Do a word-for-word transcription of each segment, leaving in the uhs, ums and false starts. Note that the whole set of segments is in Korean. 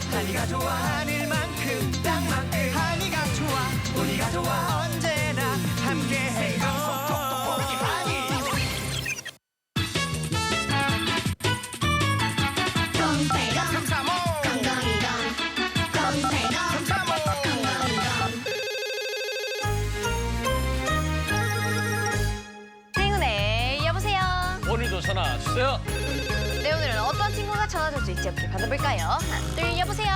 한이가 좋아 하늘만큼 땅만큼 한이가 좋아 우리가 좋아 언제나 함께해요. 한이 꽁빼검 삼삼오 꽁꽁이검 꽁빼검 삼삼오 행운의 여보세요. 오늘도 전화 주세요. 네, 오늘은 어떤 친구가 전화 줄 수 있지? 함께 받아볼까요? 하나, 둘, 여보세요.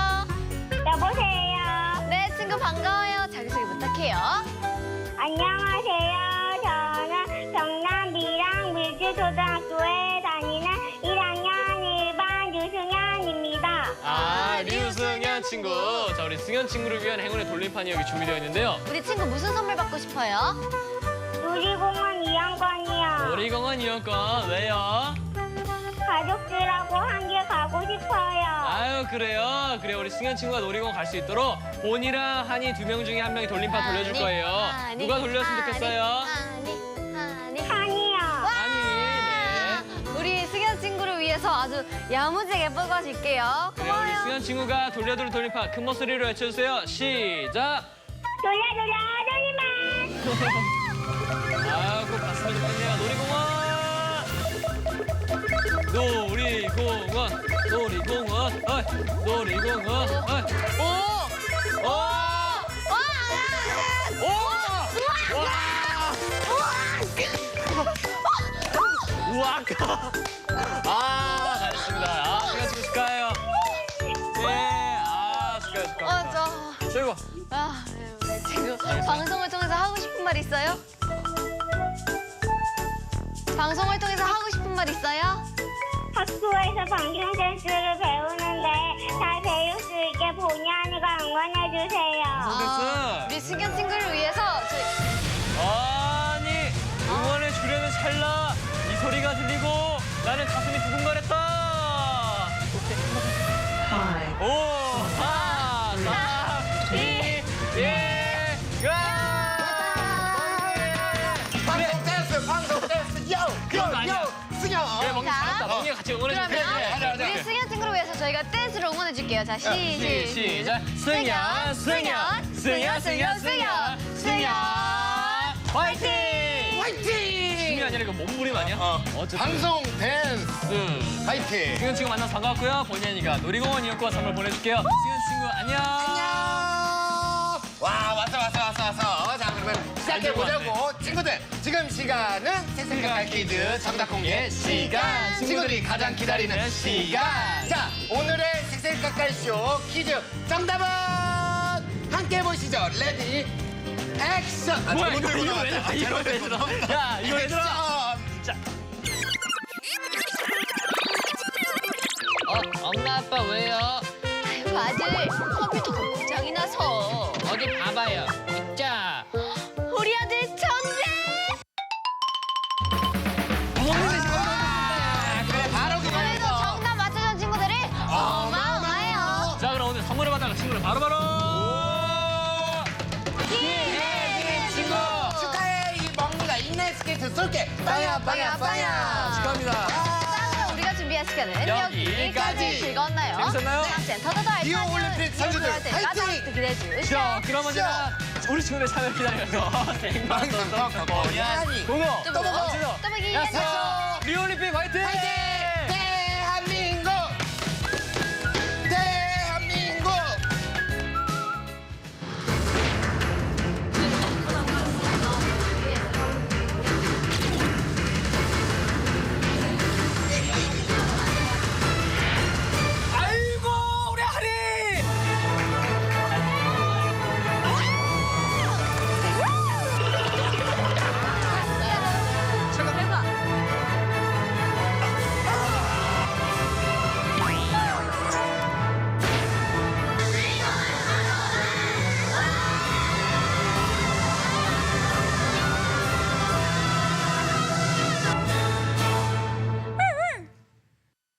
여보세요. 네, 친구 반가워요. 자기소개 부탁해요. 안녕하세요. 저는 경남 밀양 밀지초등학교에 다니는 일 학년 일 반 유승현입니다. 아, 류승현 친구. 자, 우리 승현 친구를 위한 행운의 돌림판이 여기 준비되어 있는데요. 우리 친구 무슨 선물 받고 싶어요? 놀이공원 이용권이요. 놀이공원 이용권. 왜요? 가족들하고 함께 가고 싶어요. 아유, 그래요. 그래, 우리 승현 친구가 놀이공원 갈 수 있도록 본이랑 한이 두 명 중에 한 명이 돌림판 돌려줄 하니, 거예요. 하니, 누가 돌렸으면 하니, 좋겠어요? 하니, 하니. 한이요. 한이. 네. 우리 승현 친구를 위해서 아주 야무지게 뽑아줄게요. 그래, 우리 고마워요. 승현 친구가 돌려줄 돌림판 큰 목소리로 외쳐주세요. 시작! 돌려 돌려 돌리만. 아, 꼭 갔으면 좋겠네요. 놀이공원! 놀이공원! 놀이공원! 어이! 놀이공원! 어이! 오! 오! 와! 오! 와! 우와! 아, 잘했습니다. 아, 승현 친구 축하해요. 네, 아, 축하해, 축하해. 어, 저... 최고. 아, 네, 우리 친구 방송을 통해서 하고 싶은 말 있어요? 방송을 통해서 하고 싶은 말 있어요? 학교에서 방송 센스를 배우는데 잘 배울 수 있게 본의 아니가 응원해 주세요. 아, 우리 승현 친구를 위해서 저희... 아니, 응원해 주려는 찰나 이 소리가 들리고 나는 가슴이 두근거렸다. 오, 사, 삼, 이, 일, 가! 방송 댄스 방송 댄스 요! 그런 거 아니야. 요! 승현 그래, 멍이 자, 잘했다. 멍이가 같이 응원해 줄게. 그러면 우리 승현 친구를 위해서 저희가 댄스로 응원해 줄게요. 자, 시, 시, 시, 시작. 승현, 승현, 승현, 승현, 승현, 승현, 화이팅! 화이팅! 승현이 아니라 이거 몸부림 아니야? 어. 어쨌든. 방송 댄스 화이팅! 승현 친구 만나서 반가웠고요. 본연이가 놀이공원 이용권 선물 보내줄게요. 승현 친구 안녕. 안녕! 와 왔어 왔어 왔어 왔어. 자 그러면 시작해 보자고. 친구들 지금 시간은 색색깔 퀴즈 정답 공개 시간. 친구들이 가장 기다리는 시간. 자 오늘의 색색깔 쇼 퀴즈 정답은 함께 보시죠. 레디 액션. 아, 뭐야, 잘못 이거, 들고 이거 왜 나왔다. 들어? 이거 잘못 왜 들고 들어? 나왔다. 야, 이거 왜 들어? 액션. 자. 어, 엄마 아빠 왜요? 아이고, 아들 컴퓨터가 고장이 나서 어디 봐봐요. 있자. 우리 아들 천재! 아, 그래, 바로 그래도 그거였어. 정답 맞춰준 친구들이 어마어마해요. 자, 그럼 오늘 선물을 받아갈 친구를 바로바로. 예, 친구. 축하해 이 먹니가 인라인 스케이트 쏠게. 빵야 빵야 빵야. 축하합니다. 자, 그럼 우리가 준비한 시간은 여기까지. 여기까지. 즐거웠나요? 재밌었나요? 다음 주엔 더더더 알차게 리오 올림픽 선수들 화이팅! 기대해 주시죠. 자, 그러면 제가 우리 친구들 참여 기다려서 생방송 방송 보니 보니 공호 또 또 보고. 또 보기 야스 리올림픽 화이팅! 화이팅!